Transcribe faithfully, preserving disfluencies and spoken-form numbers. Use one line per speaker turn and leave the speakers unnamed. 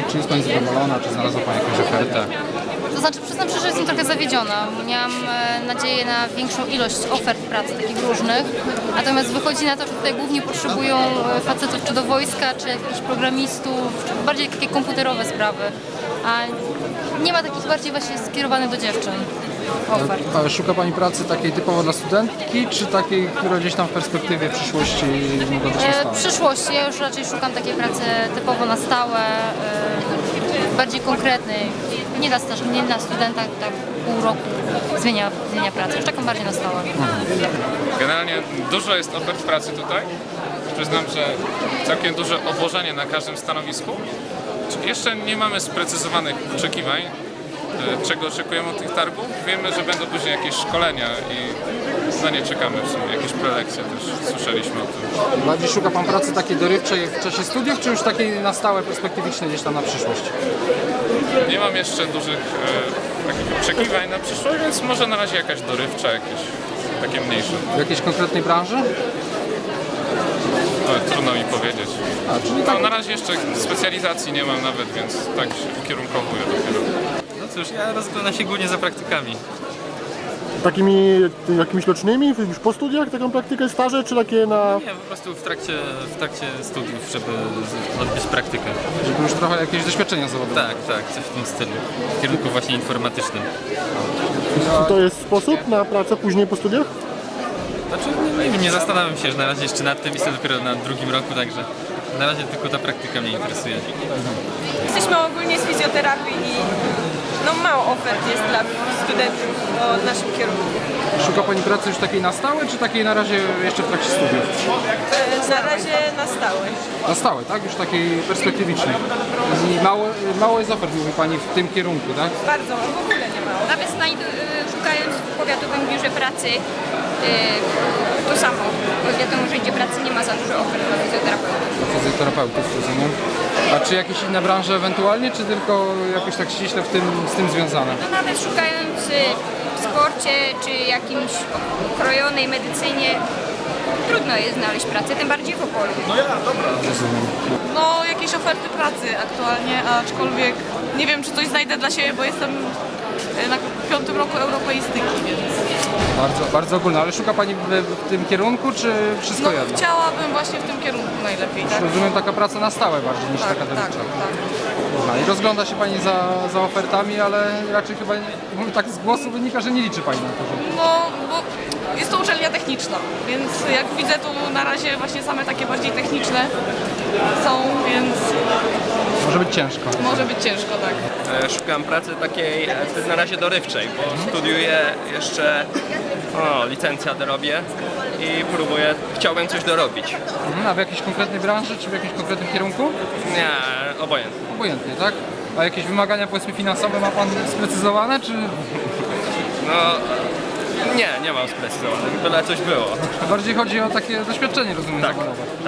Czy jest Pani zadowolona, czy znalazła Pani jakąś ofertę?
To znaczy, przyznam szczerze, że jestem trochę zawiedziona. Miałam e, nadzieję na większą ilość ofert pracy, takich różnych. Natomiast wychodzi na to, że tutaj głównie potrzebują e, facetów czy do wojska, czy jakichś programistów, czy bardziej takie komputerowe sprawy. A nie ma takich bardziej właśnie skierowanych do dziewczyn ofert.
A szuka Pani pracy takiej typowo dla studentki, czy takiej, która gdzieś tam w perspektywie przyszłości mogła być na
E,
stałe?
w przyszłości ja już raczej szukam takiej pracy typowo na stałe, e, bardziej konkretnej. Nie dla, staż, nie dla studenta, tak pół roku zmienia, zmienia pracę, już taką bardziej na stałe.
Generalnie dużo jest ofert pracy tutaj. Przyznam, że całkiem duże obłożenie na każdym stanowisku. Jeszcze nie mamy sprecyzowanych oczekiwań, e, czego oczekujemy od tych targów. Wiemy, że będą później jakieś szkolenia i na nie czekamy w sumie. Jakieś prelekcje też słyszeliśmy o tym.
Bardziej szuka Pan pracy takiej dorywczej w czasie studiów, czy już takiej na stałe, perspektywicznej gdzieś tam na przyszłość?
Nie mam jeszcze dużych e, takich oczekiwań na przyszłość, więc może na razie jakaś dorywcza, jakieś takie mniejsze.
W jakiejś konkretnej branży?
No, trudno mi powiedzieć.
A, czyli tak.
No, na razie jeszcze specjalizacji nie mam nawet, więc tak się ukierunkowuję dopiero.
No cóż, ja rozglądam się głównie za praktykami.
Takimi jakimiś rocznymi, już po studiach, taką praktykę, staże, czy takie na...
Nie, po prostu w trakcie, w trakcie studiów, żeby z- odbyć praktykę.
Żeby już trochę jakieś doświadczenia zawodowe.
Tak, tak, coś w tym stylu. W kierunku właśnie informatycznym.
To jest sposób na pracę później po studiach?
Znaczy, nie, nie wiem, nie zastanawiam się że na razie jeszcze nad tym, jestem dopiero na drugim roku, także na razie tylko ta praktyka mnie interesuje.
Jesteśmy ogólnie z fizjoterapii i no mało ofert jest dla studentów o naszym kierunku.
Szuka Pani pracy już takiej na stałe, czy takiej na razie jeszcze w trakcie studiów?
E, Na razie na stałe.
Na stałe, tak? Już takiej perspektywicznej. I mało, mało jest ofert, mówi Pani, w tym kierunku, tak?
Bardzo, w ogóle nie mało.
Nawet znajdu, y, szukając w powiatowym biurze pracy y, to samo. Bo wiadomo, że gdzie pracy nie ma za dużo ofert dla fizjoterapeutów.
Fizjoterapeutów, rozumiem. A czy jakieś inne branże ewentualnie, czy tylko jakoś tak ściśle w tym, z tym związane?
No nawet szukając y, w sporcie czy jakimś okrojonej medycynie trudno jest znaleźć pracę, tym bardziej w Opolu.
Rozumiem.
No jakieś oferty pracy aktualnie, aczkolwiek nie wiem czy coś znajdę dla siebie, bo jestem e, na piątym roku europeistyki, więc
Bardzo, bardzo ogólne, ale szuka Pani w, w tym kierunku, czy wszystko
no
jedno?
chciałabym właśnie w tym kierunku najlepiej, tak?
Rozumiem, taka praca na stałe bardziej niż
Tak,
taka
tak,
dorywcza.
tak.
Aha, i rozgląda się Pani za, za ofertami, ale raczej chyba, nie, tak z głosu wynika, że nie liczy Pani na to, że...
No, bo jest to uczelnia techniczna, więc jak widzę tu na razie właśnie same takie bardziej techniczne są, więc
Może być ciężko.
może być ciężko, tak.
E, Szukam pracy takiej e, na razie dorywczej, bo studiuję jeszcze, o, licencjat robię i próbuję, chciałbym coś dorobić.
Mhm, a w jakiejś konkretnej branży, czy w jakimś konkretnym kierunku?
Nie, obojętnie.
Obojętnie, tak? A jakieś wymagania, powiedzmy, finansowe ma Pan sprecyzowane, czy
No, nie, nie mam sprecyzowanych, byle coś było.
bardziej chodzi o takie doświadczenie, rozumiem, zawodowe?